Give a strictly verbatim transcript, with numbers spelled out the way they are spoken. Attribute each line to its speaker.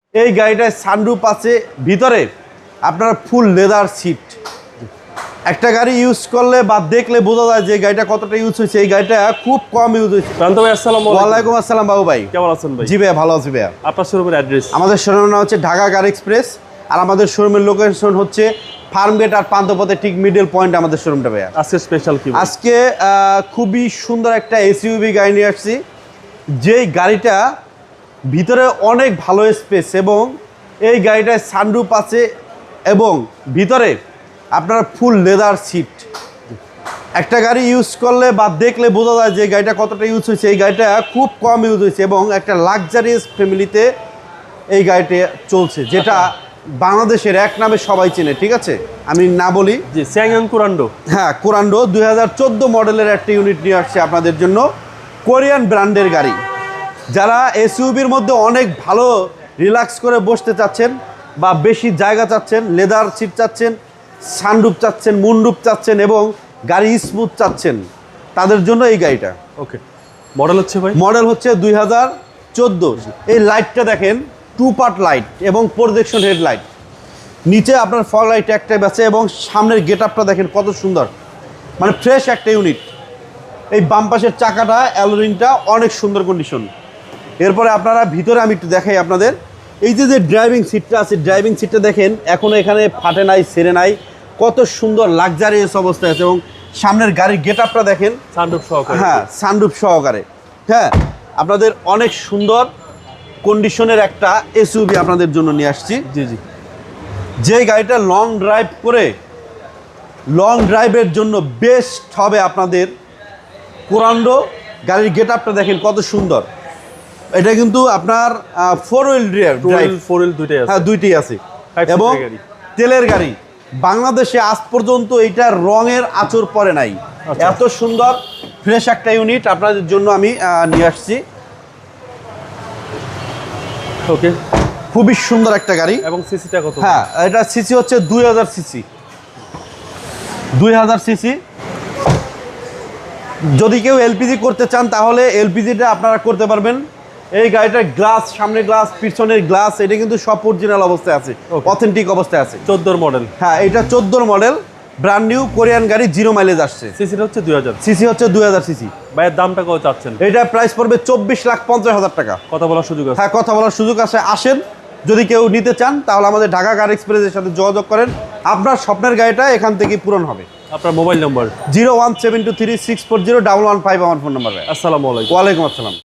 Speaker 1: এই গাড়িটায় সানরুফ আছে, ভিতরে আপনার ফুল লেদার সিট। একটা গাড়ি ইউজ করলে বা দেখলে বোঝা যায় যে গাড়িটা কতটা ইউজ হয়েছে। এই গাড়িটা খুব কম ইউজ হয়েছে।
Speaker 2: প্রান্ত ভাই আসসালামু আলাইকুম।
Speaker 1: ওয়ালাইকুম আসসালাম বাবু ভাই,
Speaker 2: কেমন আছেন ভাই?
Speaker 1: জি ভাইয়া ভালো আছি ভাইয়া।
Speaker 2: আপনার শোরুমের অ্যাড্রেস?
Speaker 1: আমাদের শোরুমের নাম হচ্ছে ঢাকা কার এক্সপ্রেস, আর আমাদের শোরুমের লোকেশন হচ্ছে ফার্মগেট আর পান্থপথের ঠিক মিডল পয়েন্ট আমাদের শোরুমটা ভাইয়া।
Speaker 2: আজকে স্পেশাল কি?
Speaker 1: আজকে আহ, খুবই সুন্দর একটা এসইউভি গাড়ি নিয়ে আসছি, যেই গাড়িটা ভিতরে অনেক ভালো স্পেস এবং এই গাড়িটায় সানরুফ আছে এবং ভিতরে আপনার ফুল লেদার সিট। একটা গাড়ি ইউজ করলে বা দেখলে বোঝা যায় যে গাড়িটা কতটা ইউজ হয়েছে। এই গাড়িটা খুব কম ইউজ হয়েছে এবং একটা লাক্সারিয়াস ফ্যামিলিতে এই গাড়িটা চলছে, যেটা বাংলাদেশের এক নামে সবাই চেনে। ঠিক আছে, আমি না বলি।
Speaker 2: জি, স্যাংয়ং কুরান্ডো।
Speaker 1: হ্যাঁ, কুরান্ডো দুই হাজার চোদ্দো মডেলের একটা ইউনিট নিয়ে আসছে আপনাদের জন্য, কোরিয়ান ব্র্যান্ডের গাড়ি। যারা এসইউভির মধ্যে অনেক ভালো রিল্যাক্স করে বসতে চাচ্ছেন বা বেশি জায়গা চাচ্ছেন, লেদার সিট চাচ্ছেন, সানরুফ চাচ্ছেন, মুনরুফ চাচ্ছেন এবং গাড়ি স্মুথ চাচ্ছেন, তাদের জন্য এই গাড়িটা।
Speaker 2: ওকে, মডেল হচ্ছে ভাই?
Speaker 1: মডেল হচ্ছে দুই হাজার চোদ্দো। এই লাইটটা দেখেন, টু পার্ট লাইট এবং প্রজেকশন হেডলাইট। নিচে আপনার ফগ লাইট একটাই আছে এবং সামনের গেট আপটা দেখেন কত সুন্দর, মানে ফ্রেশ একটা ইউনিট। এই বাম পাশের চাকাটা অ্যালোরিংটা অনেক সুন্দর কন্ডিশন। এরপরে আপনারা ভিতরে আমি একটু দেখাই আপনাদের। এই যে যে ড্রাইভিং সিটটা আছে, ড্রাইভিং সিটটা দেখেন এখনও এখানে ফাটে নাই, সেরে নাই, কত সুন্দর লাক্সারিয়াস অবস্থায় আছে। এবং সামনের গাড়ির গেট আপটা দেখেন,
Speaker 2: সানরুফ সহকারে।
Speaker 1: হ্যাঁ, সানরুফ সহকারে। হ্যাঁ, আপনাদের অনেক সুন্দর কন্ডিশনের একটা এসইউভি আপনাদের জন্য নিয়ে আসছি।
Speaker 2: জি জি,
Speaker 1: যে গাড়িটা লং ড্রাইভ করে, লং ড্রাইভের জন্য বেস্ট হবে আপনাদের কুরান্ডো। গাড়ির গেট আপটা দেখেন কত সুন্দর। এটা কিন্তু আপনার four wheel drive,
Speaker 2: four wheel দুইটাই আছে।
Speaker 1: হ্যাঁ দুইটাই আছে
Speaker 2: Five seater
Speaker 1: এবং
Speaker 2: গাড়ি।
Speaker 1: তেলের গাড়ি। বাংলাদেশে আজ পর্যন্ত এইটার রঙের আঁচড় পড়ে নাই।
Speaker 2: আচ্ছা।
Speaker 1: এত সুন্দর ফ্রেশ একটা ইউনিট আপনাদের জন্য আমি আহ, নিয়ে আসছি।
Speaker 2: ওকে,
Speaker 1: খুবই সুন্দর একটা গাড়ি।
Speaker 2: এবং সিসিটা কত?
Speaker 1: হ্যাঁ, এটা সিসি হচ্ছে দুই হাজার সিসি, দুই হাজার সিসি। যদি কেউ এলপিজি করতে চান তাহলে এলপিজিটা আপনারা করতে পারবেন। এই গাড়িটার গ্লাস, সামনে গ্লাস, পিছনের গ্লাস, এটা কিন্তু সব অরিজিনাল অবস্থায় আছে,
Speaker 2: Okay.
Speaker 1: অথেন্টিক অবস্থায় আছে।
Speaker 2: চোদ্দোর মডেল।
Speaker 1: হ্যাঁ, এটা চোদ্দোর মডেল, ব্র্যান্ড নিউ কোরিয়ান গাড়ি, জিরো মাইলেজ আসছে।
Speaker 2: সিসিটা হচ্ছে দুই হাজার।
Speaker 1: সিসি হচ্ছে দুই হাজার সিসি।
Speaker 2: ভাইয়ের দামটা কত চাচ্ছেন?
Speaker 1: এটা প্রাইস পড়বে চব্বিশ লাখ পঞ্চাশ হাজার টাকা।
Speaker 2: কথা বলার সুযোগ আছে?
Speaker 1: হ্যাঁ, কথা বলার সুযোগ আছে। আসেন, যদি কেউ নিতে চান তাহলে আমাদের ঢাকা কার এক্সপ্রেসের সাথে যোগাযোগ করেন, আপনার স্বপ্নের গাড়িটা এখান থেকে পূরণ হবে।
Speaker 2: আপনার mobile number?
Speaker 1: Zero one seven two three six four zero double one five আমার ফোন নাম্বার।
Speaker 2: আসসালামু আলাইকুম।
Speaker 1: ওয়ালাইকুম আসসালাম।